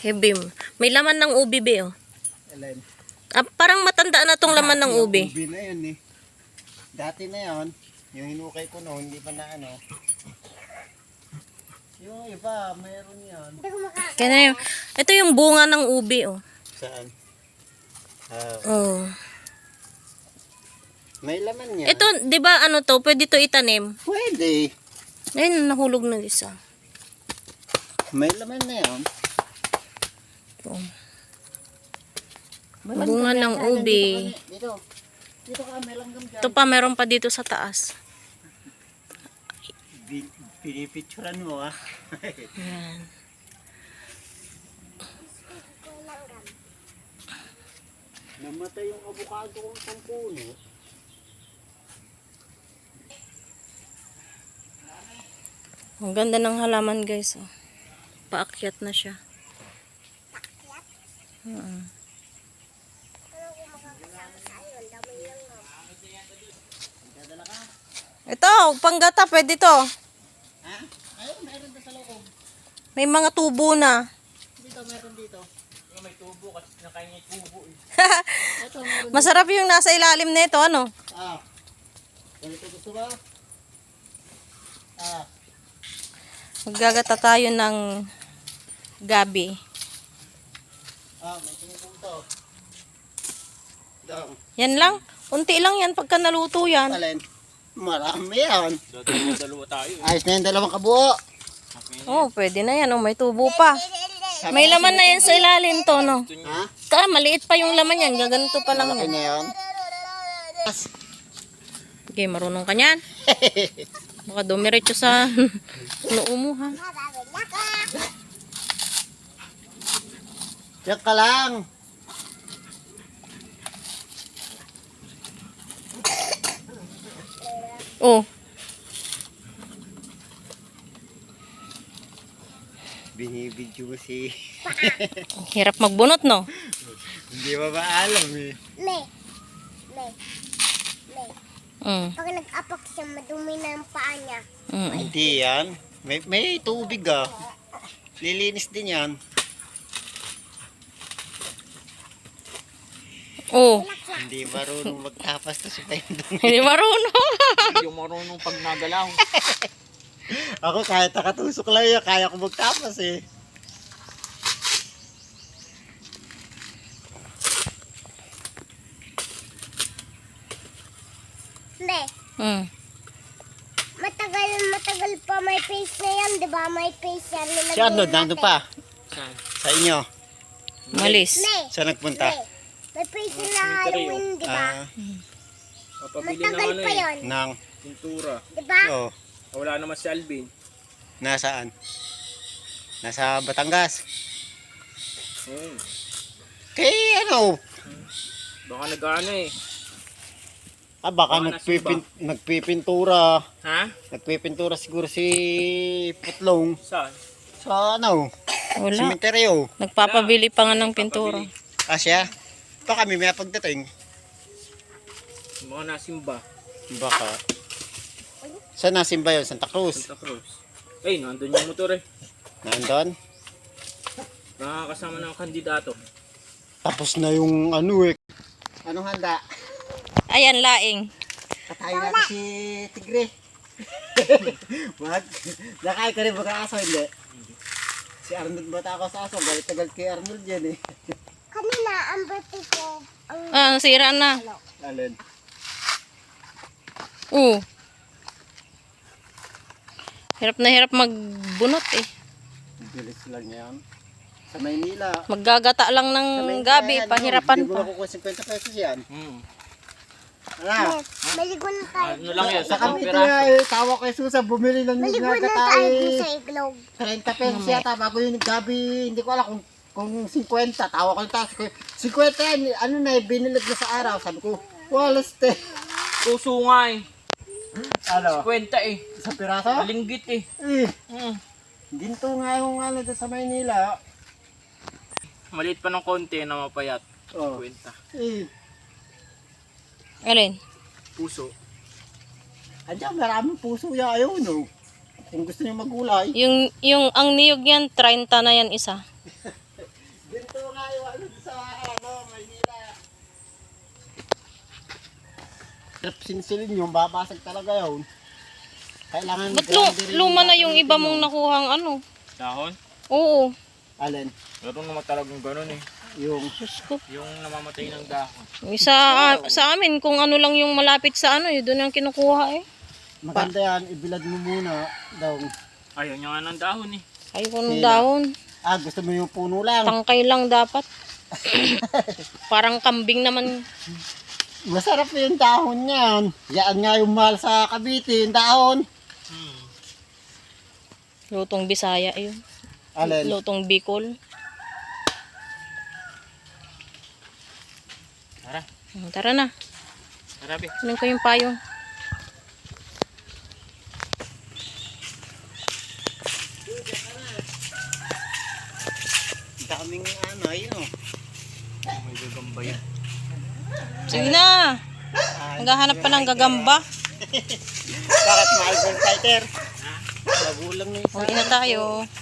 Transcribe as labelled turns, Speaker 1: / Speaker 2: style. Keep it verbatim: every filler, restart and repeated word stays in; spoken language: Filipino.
Speaker 1: Hebim. May laman ng ubi, be, oh.
Speaker 2: Alin?
Speaker 1: Ah, parang matanda na tong laman ng
Speaker 2: Yung
Speaker 1: ubi.
Speaker 2: Ubi na yun eh. Dati na yun, yung hinukay ko noon, hindi pa na ano. Yung iba, mayroon yan.
Speaker 1: Kaya na yung, ito yung bunga ng ubi, oh.
Speaker 2: Saan? Ah,
Speaker 1: Oh.
Speaker 2: may laman yan.
Speaker 1: Ito, di ba ano to, pwede to itanim?
Speaker 2: Pwede.
Speaker 1: Ayun, nahulog na isa.
Speaker 2: May laman na yan.
Speaker 1: Ito.
Speaker 2: May
Speaker 1: Bunga
Speaker 2: langgam
Speaker 1: ng
Speaker 2: yan.
Speaker 1: ubi.
Speaker 2: Dito, dito ka, may langgam dyan.
Speaker 1: Ito pa, meron pa dito sa taas.
Speaker 2: Bi- Pinipicturan mo ah.
Speaker 1: Ayan.
Speaker 2: Namatay yung avocado kong sampuno.
Speaker 1: Ang ganda ng halaman, guys, oh. Paakyat na siya. Uh-uh. Ito, panggata, pwede to.
Speaker 2: Ha? Ayun, mayroon na sa loob.
Speaker 1: May mga tubo na.
Speaker 2: Dito, meron dito.
Speaker 3: May tubo kasi nakain niya tubo eh.
Speaker 2: Ito, meron.
Speaker 1: Masarap yung nasa ilalim nito, ano?
Speaker 2: Ah. Ganito gusto ba? Ah.
Speaker 1: Maggagata tayo ng gabi.
Speaker 2: Ah, may tingin to. Dong.
Speaker 1: Yan lang. Unti lang yan pagka naluto yan.
Speaker 2: Alin? Marami yan.
Speaker 3: Dalawa tayo eh.
Speaker 2: Ayos na yung dalawang kabuo.
Speaker 1: Oh, pwede na yan. Oh, may tubo pa. May laman na yan sa ilalim to, no?
Speaker 2: Ha?
Speaker 1: Ka, maliit pa yung laman yan. Gaganto pa lang
Speaker 2: Malaki
Speaker 1: yan.
Speaker 2: na yan.
Speaker 1: Okay, marunong ka niyan. Baka dumiretso sa noo mo, ha?
Speaker 2: Diyan ka lang.
Speaker 1: Oh,
Speaker 2: Binibidyo mo si...
Speaker 1: hirap magbunot, no?
Speaker 2: Hindi ba ba alam eh.
Speaker 4: Me. Me. Me.
Speaker 1: Mm.
Speaker 4: Pag nag-apak siya, madumi na ang paa niya.
Speaker 1: Mm.
Speaker 2: Hindi yan. May, may tubig ah. Lilinis din yan.
Speaker 1: Oh,
Speaker 2: Hindi marunong magtapas to si Pendong.
Speaker 1: hindi marunong.
Speaker 3: Yung marunong pag nagalaw.
Speaker 2: Ako kahit nakatusok lang yan, kaya ko magtapas eh.
Speaker 4: Me.
Speaker 1: Mm.
Speaker 4: Matagal, matagal pa may face na yan, di ba? May face yan.
Speaker 2: Si Arnold, nandun pa.
Speaker 3: Saan?
Speaker 2: Sa inyo.
Speaker 1: Malis.
Speaker 4: Me.
Speaker 2: Saan nagpunta?
Speaker 4: Me. May face na Halloween, di ba?
Speaker 2: Ah,
Speaker 3: Papabili ng
Speaker 4: Matagal
Speaker 3: ano
Speaker 4: pa
Speaker 3: eh.
Speaker 4: yun,
Speaker 2: nang,
Speaker 3: Pintura.
Speaker 4: di ba?
Speaker 2: oh,
Speaker 3: Wala naman si Alvin.
Speaker 2: nasaan? Nasa Batangas.
Speaker 3: Hmm.
Speaker 2: Kay ano,
Speaker 3: Baka nag-ano eh.
Speaker 2: ah baka
Speaker 3: Baka
Speaker 2: nagpipin, nagpipintura.
Speaker 3: Ha?
Speaker 2: Nagpipintura siguro si Putlong
Speaker 3: Saan?
Speaker 2: sa ano,
Speaker 1: Wala.
Speaker 2: sementeryo.
Speaker 1: Nagpapabili pa nga ng pintura.
Speaker 2: Asya, pa kami may pagdating.
Speaker 3: Mga nasimba.
Speaker 2: Baka. Saan nasimba yun? Santa Cruz.
Speaker 3: Santa Cruz. Ay, nandun yung motor eh.
Speaker 2: Nandun.
Speaker 3: Nakakasama ng kandidato.
Speaker 2: Tapos na yung ano eh. Anong handa?
Speaker 1: Ayan, laing.
Speaker 2: Katayin natin si Tigre. Wag. Nakain ka rin baka aso, hindi? Si Arnold bata ako sa aso. Galit-tagal kay Arnold yan eh.
Speaker 4: Kanina, ang birthday ko, ang
Speaker 1: Ah, sira na.
Speaker 2: Alin?
Speaker 1: Oo. Hirap na hirap magbunot eh.
Speaker 2: Bilis lang yan. Sa Maynila.
Speaker 1: Maggagata lang
Speaker 2: Sa
Speaker 1: ng
Speaker 2: Maynila
Speaker 1: gabi,
Speaker 2: yan,
Speaker 1: pahirapan
Speaker 2: Hindi mo
Speaker 1: pa.
Speaker 2: makukuha fifty pesos yan.
Speaker 3: Hmm.
Speaker 2: Ano?
Speaker 4: maligo na tayo.
Speaker 3: Ano lang yan?
Speaker 2: Sa
Speaker 3: Sa
Speaker 2: kami
Speaker 3: piraso.
Speaker 2: eh, tawa kay Susa, bumili ng
Speaker 4: Maligo na
Speaker 2: nagata
Speaker 4: tayo dun
Speaker 2: eh.
Speaker 4: sa iglog.
Speaker 2: thirty pesos yata bago yung gabi, hindi ko alam kung kung fifty, tawa ko yung taas ko. fifty yan, ano na eh, binilag na sa araw. Sabi ko, walas te.
Speaker 3: Puso nga eh.
Speaker 2: Ano?
Speaker 3: Kwenta eh.
Speaker 2: Sa piraso?
Speaker 3: Malinggit eh.
Speaker 2: Eh,
Speaker 3: Hmm.
Speaker 2: ginto nga yung ano doon sa Maynila.
Speaker 3: Maliit pa ng konti na mapayat.
Speaker 2: Oh.
Speaker 3: Kwenta.
Speaker 2: Eh,
Speaker 1: Alin?
Speaker 3: Puso.
Speaker 2: andyan, maraming puso yan. Ayaw, no? Kung gusto niyo magulay.
Speaker 1: Yung, yung ang niyog yan, thirty na yan isa.
Speaker 2: Trap sinsilin yung babasag talaga yun. Kailangan
Speaker 1: Ba't lu-
Speaker 2: ground din
Speaker 1: luma na
Speaker 2: natin
Speaker 1: yung
Speaker 2: yung
Speaker 1: iba
Speaker 2: pinon.
Speaker 1: mong nakuhang ano?
Speaker 3: Dahon?
Speaker 1: Oo.
Speaker 2: Alin?
Speaker 3: Meron naman talagang ganun eh.
Speaker 2: Yung
Speaker 1: Diyos ko.
Speaker 3: Yung namamatay ng dahon.
Speaker 1: Yung Sa, sa amin, kung ano lang yung malapit sa ano, yun doon ang kinukuha eh.
Speaker 2: maganda yan, ibilad mo muna daw.
Speaker 3: Ayaw niya nga ng dahon eh.
Speaker 1: Ayoko ng
Speaker 2: Sila.
Speaker 1: dahon.
Speaker 2: Ah, gusto mo yung puno lang.
Speaker 1: Tangkay lang dapat. Parang kambing naman.
Speaker 2: Masarap yung dahon niyan. Yan nga yung mahal sa Cavite, yung dahon.
Speaker 3: Hmm.
Speaker 1: Lutong Bisaya yun.
Speaker 2: Alin?
Speaker 1: Lutong Bicol.
Speaker 3: Tara,
Speaker 1: Hmm, Tara na.
Speaker 3: tara be.
Speaker 1: Kunin ko yung payong.
Speaker 2: Daming ano, yun o.
Speaker 3: May gagamba yan.
Speaker 1: Sige na. Naghahanap pa ng gagamba.
Speaker 2: Bakit mahal yung fighter? Magulang na isa.
Speaker 1: Uwi na tayo.